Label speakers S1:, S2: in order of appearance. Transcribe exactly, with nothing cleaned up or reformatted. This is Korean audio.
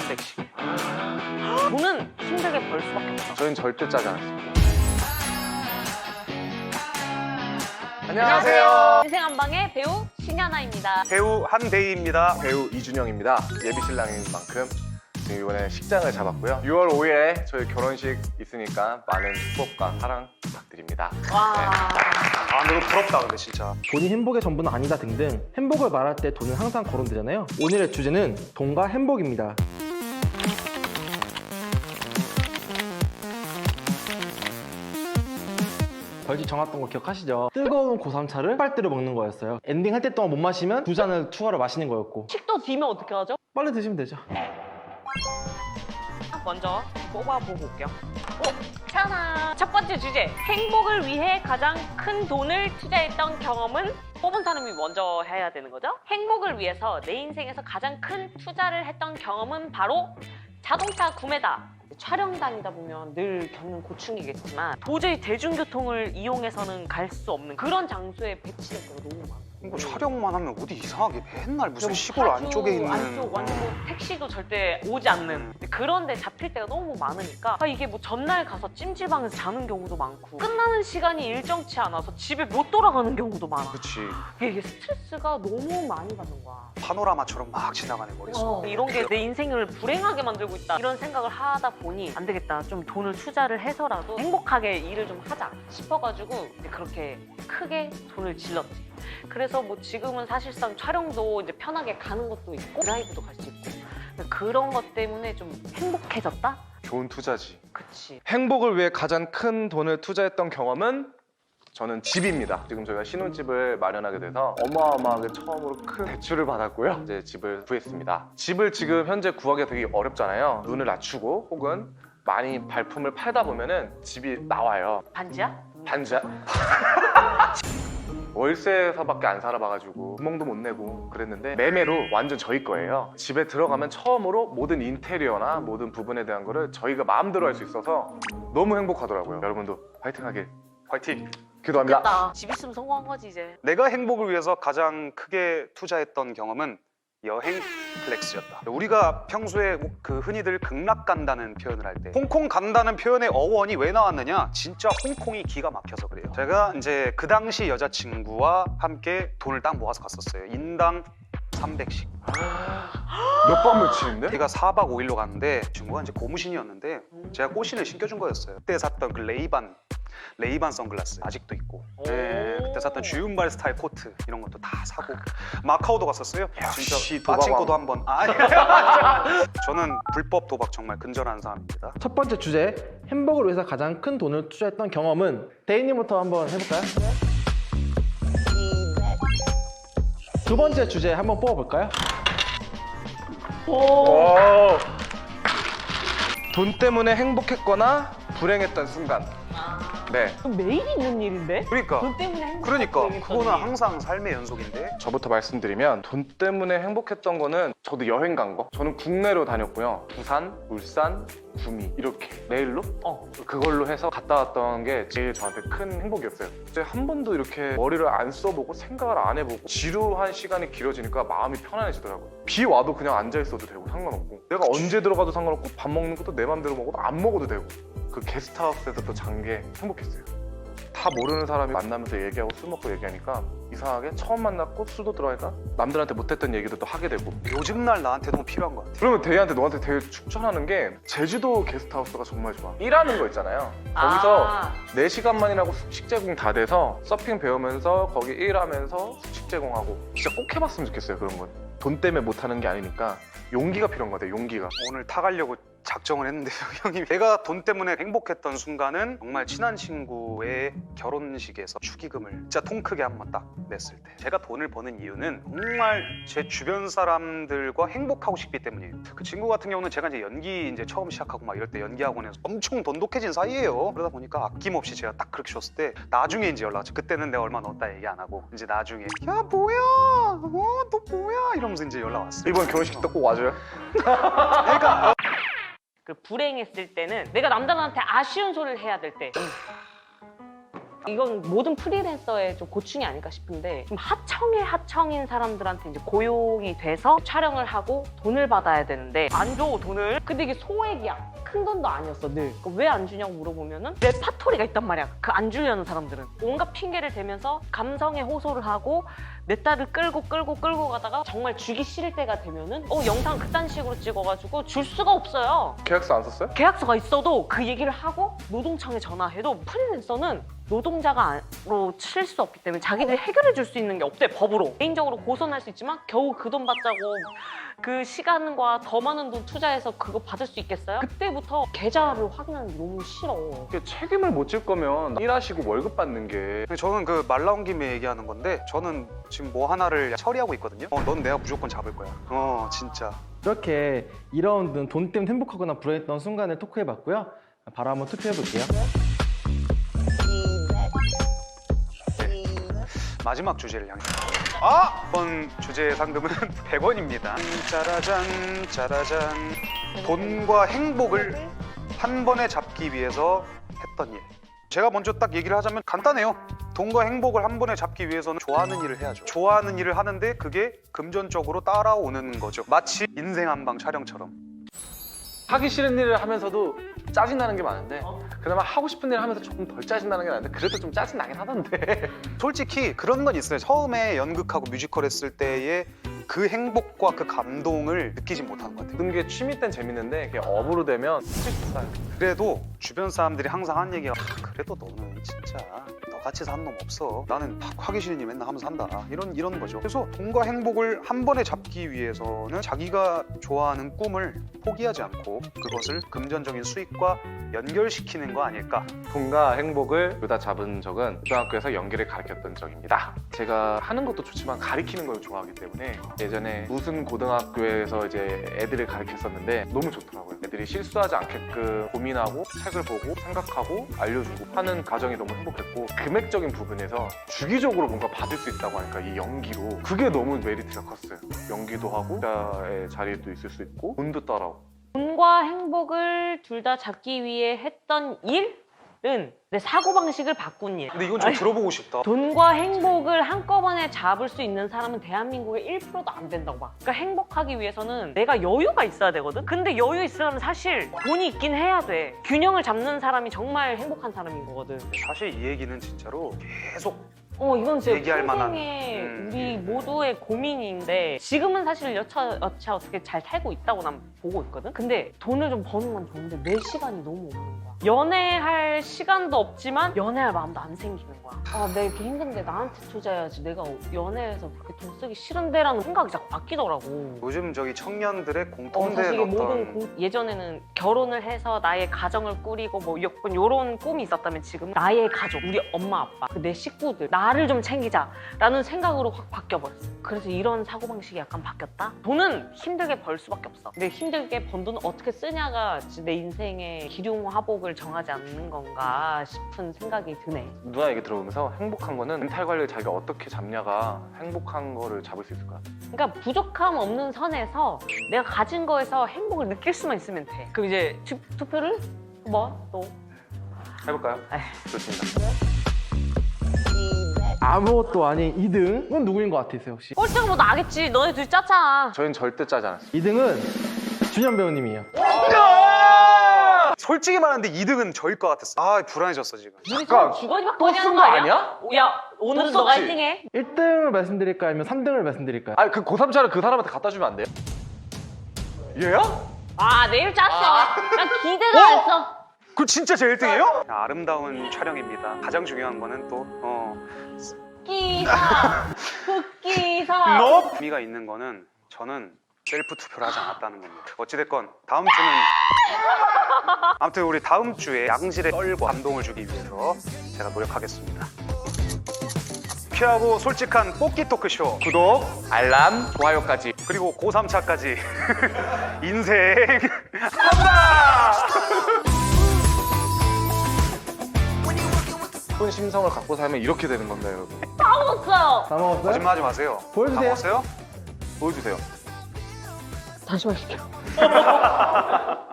S1: 삼백씩. 돈은 힘들게 벌 수밖에 없어.
S2: 저희는 절대 짜지 않습니다.
S1: 안녕하세요. 인생 한방의 배우 신현아입니다.
S3: 배우 한대희입니다.
S2: 배우 이준영입니다. 예비 신랑인 만큼 지금 이번에 식장을 잡았고요. 유월 오일에 저희 결혼식 있으니까 많은 축복과 사랑 부탁드립니다.
S1: 와.
S3: 아 너무 부럽다 근데 진짜.
S4: 돈이 행복의 전부는 아니다 등등 행복을 말할 때 돈은 항상 거론되잖아요. 오늘의 주제는 돈과 행복입니다. 벌칙 정했던 거 기억하시죠? 뜨거운 고삼차를 빨대로 먹는 거였어요. 엔딩 할 때 동안 못 마시면 두 잔을 추가로 마시는 거였고.
S1: 식도 뒤면 어떻게 하죠?
S4: 빨리 드시면 되죠.
S1: 먼저 뽑아보고 올게요. 오, 짜잔! 첫 번째 주제, 행복을 위해 가장 큰 돈을 투자했던 경험은? 뽑은 사람이 먼저 해야 되는 거죠? 행복을 위해서 내 인생에서 가장 큰 투자를 했던 경험은 바로 자동차 구매다. 촬영 다니다 보면 늘 겪는 고충이겠지만 도저히 대중교통을 이용해서는 갈 수 없는 그런 장소에 배치될 때가 너무 많아요.
S3: 이거 촬영만 하면 어디 이상하게 맨날 무슨
S1: 그리고
S3: 시골
S1: 파주
S3: 안쪽에 있는
S1: 안쪽 완전 뭐 택시도 절대 오지 않는 그런 데 잡힐 때가 너무 많으니까 아, 이게 뭐 전날 가서 찜질방에서 자는 경우도 많고 끝나는 시간이 일정치 않아서 집에 못 돌아가는 경우도 많아.
S3: 그치
S1: 이게 스트레스가 너무 많이 받는 거야.
S3: 파노라마처럼 막 지나가네 머릿속에.
S1: 어, 이런 게 내 인생을 불행하게 만들고 있다 이런 생각을 하다 보니 안 되겠다, 좀 돈을 투자를 해서라도 행복하게 일을 좀 하자 싶어가지고 이제 그렇게 크게 돈을 질렀지. 그래서 뭐 지금은 사실상 촬영도 이제 편하게 가는 것도 있고 드라이브도 갈 수 있고 그런 것 때문에 좀 행복해졌다?
S2: 좋은 투자지.
S1: 그치.
S2: 행복을 위해 가장 큰 돈을 투자했던 경험은 저는 집입니다. 지금 저희가 신혼집을 마련하게 돼서 어마어마하게 처음으로 큰 대출을 받았고요. 이제 집을 구했습니다. 집을 지금 현재 구하기가 되게 어렵잖아요. 눈을 낮추고 혹은 많이 발품을 팔다 보면은 집이 나와요.
S1: 반지야?
S2: 반지야? 월세에서밖에 안 살아봐가지고 구멍도 못 내고 그랬는데 매매로 완전 저희 거예요. 집에 들어가면 처음으로 모든 인테리어나 모든 부분에 대한 거를 저희가 마음대로 할 수 있어서 너무 행복하더라고요. 여러분도 화이팅하게
S3: 화이팅.
S2: 기도합니다.
S1: 됐다. 집 있으면 성공한 거지 이제.
S3: 내가 행복을 위해서 가장 크게 투자했던 경험은 여행 플렉스였다. 우리가 평소에 그 흔히들 극락 간다는 표현을 할 때 홍콩 간다는 표현의 어원이 왜 나왔느냐? 진짜 홍콩이 기가 막혀서 그래요. 제가 이제 그 당시 여자친구와 함께 돈을 딱 모아서 갔었어요. 인당 삼백씩.
S2: 몇 번 며칠인데?
S3: 제가 사박 오일로 갔는데 친구가 이제 고무신이었는데 제가 꽃신을 신겨준 거였어요. 그때 샀던 그 레이반 레이반 선글라스 아직도 있고, 네, 그때 샀던 주윤발 스타일 코트 이런 것도 다 사고 마카오도 갔었어요.
S2: 역시
S3: 진짜 빠친코도
S2: 도박왕.
S3: 한번. 아니 저는 불법 도박 정말 근절하는 사람입니다.
S4: 첫 번째 주제, 행복을 위해서 가장 큰 돈을 투자했던 경험은 대인님부터 한번 해볼까요? 두 번째 주제 한번 뽑아볼까요?
S2: 오. 돈 때문에 행복했거나 불행했던 순간. 네.
S1: 그럼 매일 있는 일인데?
S3: 그러니까
S1: 돈 때문에 행복했던
S3: 그러니까
S1: 일이
S3: 그거는
S1: 있더니.
S3: 항상 삶의 연속인데.
S2: 저부터 말씀드리면 돈 때문에 행복했던 거는 저도 여행 간 거. 저는 국내로 다녔고요. 부산, 울산, 구미 이렇게 내일로
S1: 어.
S2: 그걸로 해서 갔다 왔던 게 제일 저한테 큰 행복이었어요. 이제 한 번도 이렇게 머리를 안 써보고 생각을 안 해보고 지루한 시간이 길어지니까 마음이 편안해지더라고요. 비 와도 그냥 앉아있어도 되고 상관없고 내가 언제 들어가도 상관없고 밥 먹는 것도 내 맘대로 먹어도 안 먹어도 되고 그 게스트하우스에서 또 잔 게 행복했어요. 다 모르는 사람이 만나면서 얘기하고 술 먹고 얘기하니까 이상하게 처음 만났고 술도 들어가니까 남들한테 못했던 얘기도 또 하게 되고
S3: 요즘 날 나한테 너무 필요한 것 같아.
S2: 그러면 대희한테 너한테 되게 추천하는 게 제주도 게스트하우스가 정말 좋아. 일하는 거 있잖아요. 거기서
S1: 아.
S2: 네 시간만이라고 숙식 제공 다 돼서 서핑 배우면서 거기 일하면서 숙식 제공하고 진짜 꼭 해봤으면 좋겠어요. 그런 건 돈 때문에 못하는 게 아니니까 용기가 필요한 것 같아요. 용기가.
S3: 오늘 타가려고 작정을 했는데요, 형님. 제가 돈 때문에 행복했던 순간은 정말 친한 친구의 결혼식에서 축의금을 진짜 통 크게 한번 딱 냈을 때. 제가 돈을 버는 이유는 정말 제 주변 사람들과 행복하고 싶기 때문이에요. 그 친구 같은 경우는 제가 이제 연기 이제 처음 시작하고 막 이럴 때 연기 학원에서 엄청 돈독해진 사이예요. 그러다 보니까 아낌없이 제가 딱 그렇게 줬을 때 나중에 이제 연락 왔죠. 그때는 내가 얼마 넣었다 얘기 안 하고 이제 나중에 야 뭐야, 어너 뭐야 이러면서 이제 연락 왔어요.
S2: 이번 결혼식 때 꼭 와줘요.
S3: 그러니까
S1: 그 불행했을 때는 내가 남들한테 아쉬운 소리를 해야 될 때 이건 모든 프리랜서의 좀 고충이 아닐까 싶은데 좀 하청의 하청인 사람들한테 이제 고용이 돼서 촬영을 하고 돈을 받아야 되는데 안 줘 돈을. 근데 이게 소액이야. 큰 돈도 아니었어 늘. 왜 안 주냐고 물어보면은 레파토리가 있단 말이야. 그 안 주려는 사람들은 온갖 핑계를 대면서 감성에 호소를 하고 내 딸을 끌고 끌고 끌고 가다가 정말 주기 싫을 때가 되면은 어 영상 그딴 식으로 찍어가지고 줄 수가 없어요.
S2: 계약서 안 썼어요?
S1: 계약서가 있어도 그 얘기를 하고 노동청에 전화해도 프리랜서는 노동자가로 칠 수 없기 때문에 자기들이 해결해 줄 수 있는 게 없대 법으로. 개인적으로 고소는 할 수 있지만 겨우 그 돈 받자고 그 시간과 더 많은 돈 투자해서 그거 받을 수 있겠어요? 그때부터 계좌를 확인하는 게 너무 싫어.
S2: 이게 책임을 못 질 거면 일하시고 월급 받는 게
S3: 근데 저는 그 말 나온 김에 얘기하는 건데 저는 지금 뭐 하나를 처리하고 있거든요. 어, 넌 내가 무조건 잡을 거야. 어, 진짜.
S4: 이렇게 이 라운드는 돈 때문에 행복하거나 불안했던 순간을 토크해봤고요. 바로 한번 투표해볼게요.
S3: 마지막 주제를 향해. 아! 이번 주제의 상금은 백 원입니다. 짜라잔, 짜라잔. 돈과 행복을 한 번에 잡기 위해서 했던 일. 제가 먼저 딱 얘기를 하자면 간단해요. 돈과 행복을 한 번에 잡기 위해서는 좋아하는 일을 해야죠. 좋아하는 일을 하는데 그게 금전적으로 따라오는 거죠. 마치 인생 한방 촬영처럼.
S2: 하기 싫은 일을 하면서도 짜증나는 게 많은데 그나마 하고 싶은 일을 하면서 조금 덜 짜증나는 게 많은데 그래도 좀 짜증나긴 하던데.
S3: 솔직히 그런 건 있어요. 처음에 연극하고 뮤지컬 했을 때의 그 행복과 그 감동을 느끼지 못하는 것 같아요.
S2: 모든 게 취미 땐 재밌는데 그게 업으로 되면 스트레스 쌓여요.
S3: 그래도 주변 사람들이 항상 하는 얘기가 아, 그래도 너는 진짜 너 같이 사는 놈 없어. 나는 막 하기 싫은 일 맨날 하면서 한다. 이런 이런 거죠. 그래서 돈과 행복을 한 번에 잡기 위해서는 자기가 좋아하는 꿈을 포기하지 않고 그것을 금전적인 수익과 연결시키는 거 아닐까.
S2: 돈과 행복을 둘 다 잡은 적은 고등학교에서 연기를 가르쳤던 적입니다. 제가 하는 것도 좋지만 가르치는 걸 좋아하기 때문에 예전에 무슨 고등학교에서 이제 애들을 가르쳤었는데 너무 좋더라고요. 애들이 실수하지 않게끔 고민하고 책을 보고 생각하고 알려주고 하는 과정이 너무 행복했고 금액적인 부분에서 주기적으로 뭔가 받을 수 있다고 하니까 이 연기로 그게 너무 메리트가 컸어요. 연기도 하고 기자의 자리도 있을 수 있고 돈도 따라오고.
S1: 돈과 행복을 둘 다 잡기 위해 했던 일은 내 사고방식을 바꾼 일.
S3: 근데 이건 좀 들어보고 싶다.
S1: 돈과 행복을 한꺼번에 잡을 수 있는 사람은 대한민국의 일 퍼센트도 안 된다고 봐. 그러니까 행복하기 위해서는 내가 여유가 있어야 되거든? 근데 여유 있으려면 사실 돈이 있긴 해야 돼. 균형을 잡는 사람이 정말 행복한 사람인 거거든.
S3: 사실 이 얘기는 진짜로 계속
S1: 어, 이건 진짜
S3: 얘기할 만한,
S1: 평생의
S3: 음.
S1: 우리 모두의 고민인데 지금은 사실 여차 여차 어떻게 잘 살고 있다고 난 보고 있거든? 근데 돈을 좀 버는 건 좋은데 내 시간이 너무 없는 거야. 연애할 시간도 없지만 연애할 마음도 안 생기는 거야. 아, 내가 이렇게 힘든데 나한테 투자해야지. 내가 연애해서 그렇게 돈 쓰기 싫은데라는 생각이 자꾸 바뀌더라고.
S3: 요즘 저기 청년들의
S1: 어,
S3: 공통된
S1: 사실 이게
S3: 어떤
S1: 모든 공- 예전에는 결혼을 해서 나의 가정을 꾸리고 뭐 약간 이런 꿈이 있었다면 지금은 나의 가족, 우리 엄마 아빠, 그 내 식구들, 나를 좀 챙기자라는 생각으로 확 바뀌어버렸어. 그래서 이런 사고방식이 약간 바뀌었다? 돈은 힘들게 벌 수밖에 없어. 근데 힘들게 번 돈을 어떻게 쓰냐가 내 인생의 기륭화복을 정하지 않는 건가 싶은 생각이 드네.
S2: 누나 얘기 들어보면서 행복한 거는 멘탈 관리를 자기가 어떻게 잡냐가 행복한 거를 잡을 수 있을 거야.
S1: 그러니까 부족함 없는 선에서 내가 가진 거에서 행복을 느낄 수만 있으면 돼. 그럼 이제 투, 투표를 뭐? 또?
S2: 해볼까요?
S1: 에휴.
S2: 좋습니다.
S4: 아무것도 아닌 이 등은 누구인 것 같으세요 혹시?
S1: 꼴찌가 뭐 나겠지. 너네 둘이 짰잖아.
S2: 저희는 절대 짜지 않았어요.
S4: 이 등은 준현 배우님이에요.
S3: 솔직히 말하는데 이 등은 저일 것 같았어. 아, 불안해졌어 지금.
S1: 우리
S2: 잠깐,
S1: 지금 주거니
S2: 또
S1: 받거니 하는
S2: 쓴
S1: 거
S2: 거
S1: 아니야?
S2: 아니야?
S1: 야, 오늘은
S2: 또
S1: 너가
S2: 썼지?
S1: 일 등 해.
S4: 일 등을 말씀드릴까요? 아니면 삼 등을 말씀드릴까요?
S2: 아니 그 고삼차를 그 사람한테 갖다 주면 안 돼요? 얘야?
S1: 아, 내일 짰어. 난 기대도
S2: 어?
S1: 안 했어.
S3: 그 진짜 제 일 등이에요? 아름다운 촬영입니다. 가장 중요한 거는 또 어,
S1: 기사, 흑기사.
S3: 너 의미가 있는 거는 저는 셀프 투표를 하지 않았다는 겁니다. 어찌됐건 다음 주는 아무튼 우리 다음 주에 양질의 썰과 감동을 주기 위해서 제가 노력하겠습니다. 피하고 솔직한 뽑기 토크쇼
S2: 구독, 알람, 좋아요까지.
S3: 그리고 고삼차까지 인생 한다!
S2: 예쁜 심성을 갖고 살면 이렇게 되는 겁니다, 여러분.
S1: 다 먹었어요.
S4: 다 먹었어요?
S3: 거짓말하지 마세요.
S4: 보여주세요.
S3: 다 먹었어요?
S2: 보여주세요.
S1: 다시 마실게요.